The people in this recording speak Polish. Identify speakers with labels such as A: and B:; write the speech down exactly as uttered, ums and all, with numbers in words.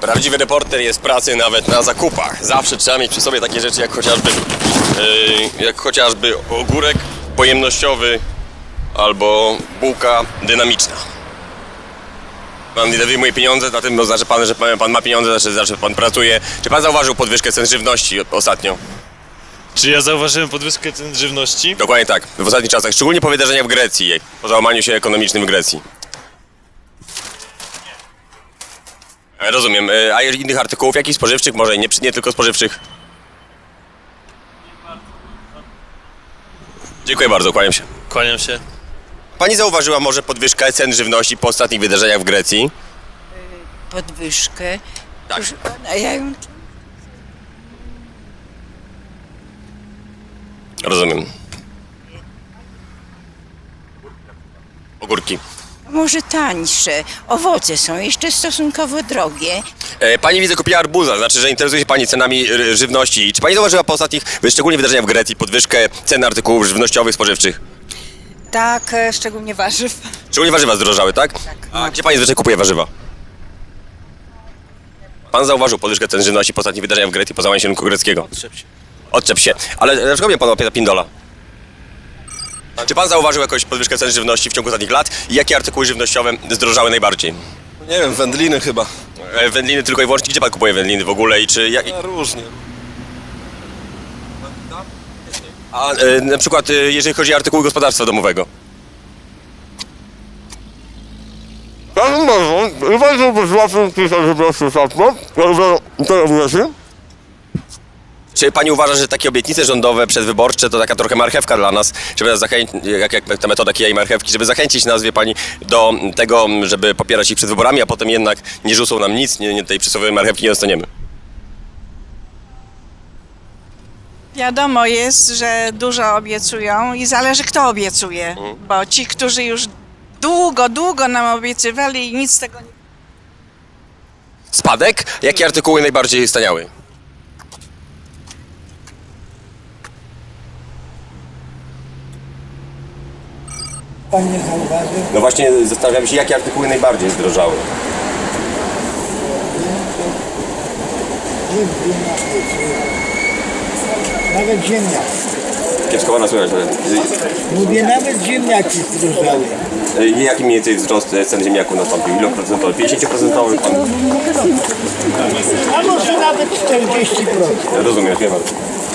A: Prawdziwy reporter jest pracy nawet na zakupach. Zawsze trzeba mieć przy sobie takie rzeczy jak chociażby, yy, jak chociażby ogórek pojemnościowy albo bułka dynamiczna. Pan ile wyjmuje pieniądze, na tym oznacza pan, że pan ma pieniądze, znaczy, znaczy że pan pracuje. Czy pan zauważył podwyżkę cen żywności ostatnio?
B: Czy ja zauważyłem podwyżkę cen żywności?
A: Dokładnie tak, w ostatnich czasach, szczególnie po wydarzeniach w Grecji, po załamaniu się ekonomicznym w Grecji. E, Rozumiem, E, a innych artykułów, jakich spożywczych, może nie, nie tylko spożywczych? Dziękuję bardzo, kłaniam się.
B: Kłaniam się.
A: Pani zauważyła może podwyżkę cen żywności po ostatnich wydarzeniach w Grecji?
C: Podwyżkę.
A: Tak.
C: Proszę pana, ja ją...
A: Rozumiem. Ogórki.
C: Może tańsze. Owoce są jeszcze stosunkowo drogie.
A: E, Pani widzę kupiła arbuza, znaczy, że interesuje się Pani cenami r- żywności. Czy Pani zauważyła po ostatnich, szczególnie wydarzeniach w Grecji, podwyżkę cen artykułów żywnościowych, spożywczych?
D: Tak, e, szczególnie warzyw.
A: Szczególnie warzywa zdrożały, tak?
D: Tak.
A: A gdzie Pani zwyczaj kupuje warzywa? Pan zauważył podwyżkę cen żywności po ostatnich wydarzeniach w Grecji, po załamaniu się rynku greckiego?
B: Odczep się.
A: Odczep się. Ale dlaczego mnie Pan łapie za pindola? Czy Pan zauważył jakąś podwyżkę cen żywności w ciągu ostatnich lat? I jakie artykuły żywnościowe zdrożały najbardziej?
E: Nie wiem, wędliny chyba.
A: E, Wędliny tylko i wyłącznie. Gdzie Pan kupuje wędliny w ogóle i czy... Jak...
E: A różnie.
A: A e, na przykład e, jeżeli chodzi o artykuły gospodarstwa domowego? Czy Pani uważa, że takie obietnice rządowe przedwyborcze to taka trochę marchewka dla nas, żeby nas zachęcić, jak, jak ta metoda kija i marchewki, żeby zachęcić nas, wie Pani, do tego, żeby popierać ich przed wyborami, a potem jednak nie rzucą nam nic, nie, nie tej przysłowiowej marchewki nie dostaniemy?
F: Wiadomo jest, że dużo obiecują i zależy kto obiecuje, bo ci, którzy już długo, długo nam obiecywali i nic z tego nie...
A: Spadek? Jakie artykuły najbardziej staniały?
G: Pan nie zauważył?
A: No właśnie zastanawiam się, jakie artykuły najbardziej zdrożały.
G: Nawet ziemniaki.
A: Kiepsko Pana słychać, ale...
G: Mówię, nawet ziemniaki zdrożały.
A: E, Jaki mniej więcej wzrost e, cen ziemniaków nastąpił? Ile procentowy? pięćdziesiąt procent? Pan...
G: A może nawet czterdzieści procent.
A: Rozumiem, dziękuję bardzo.